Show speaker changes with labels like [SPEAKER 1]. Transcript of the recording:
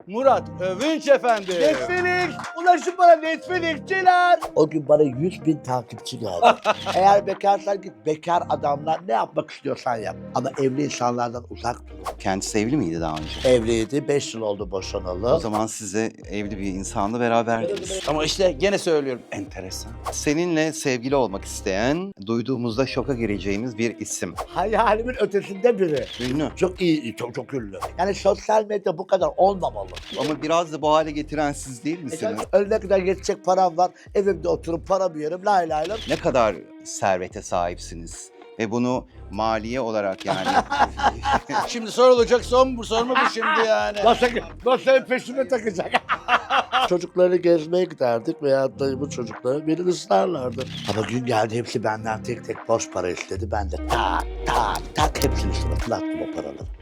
[SPEAKER 1] Murat Övünç efendi.
[SPEAKER 2] Netflix! Ulaşın bana Netflix'çiler! O gün bana 100.000 takipçi geldi. Eğer bekarsan git bekar adamlar ne yapmak istiyorsan yap. Ama evli insanlardan uzak dur.
[SPEAKER 3] Kendisi evli miydi daha önce?
[SPEAKER 2] Evliydi, 5 yıl oldu boşanalı.
[SPEAKER 3] O zaman size evli bir insanla beraberdiniz.
[SPEAKER 1] Ama işte gene söylüyorum, enteresan.
[SPEAKER 3] Seninle sevgili olmak isteyen, duyduğumuzda şoka gireceğimiz bir isim.
[SPEAKER 2] Hayalimin ötesinde biri.
[SPEAKER 3] Ünlü.
[SPEAKER 2] Çok iyi, çok ünlü. Yani sosyal medya bu kadar olmamalı.
[SPEAKER 3] Ama biraz da bu hale getiren siz değil misiniz?
[SPEAKER 2] Ölene kadar yetecek param var. Evimde oturup paramı yerim. Lay lay lay.
[SPEAKER 3] Ne kadar servete sahipsiniz? Ve bunu maliye olarak yani
[SPEAKER 1] Şimdi sorulacak son bu soru mu bu şimdi yani?
[SPEAKER 2] Nasıl peşime takacak? Çocukları gezmeye giderdik veya dayımın çocukları beni ısrarlardı. Ama gün geldi hepsi benden tek tek borç para istedi. Ben de tak tak tak hepsini suratına attım o paraları.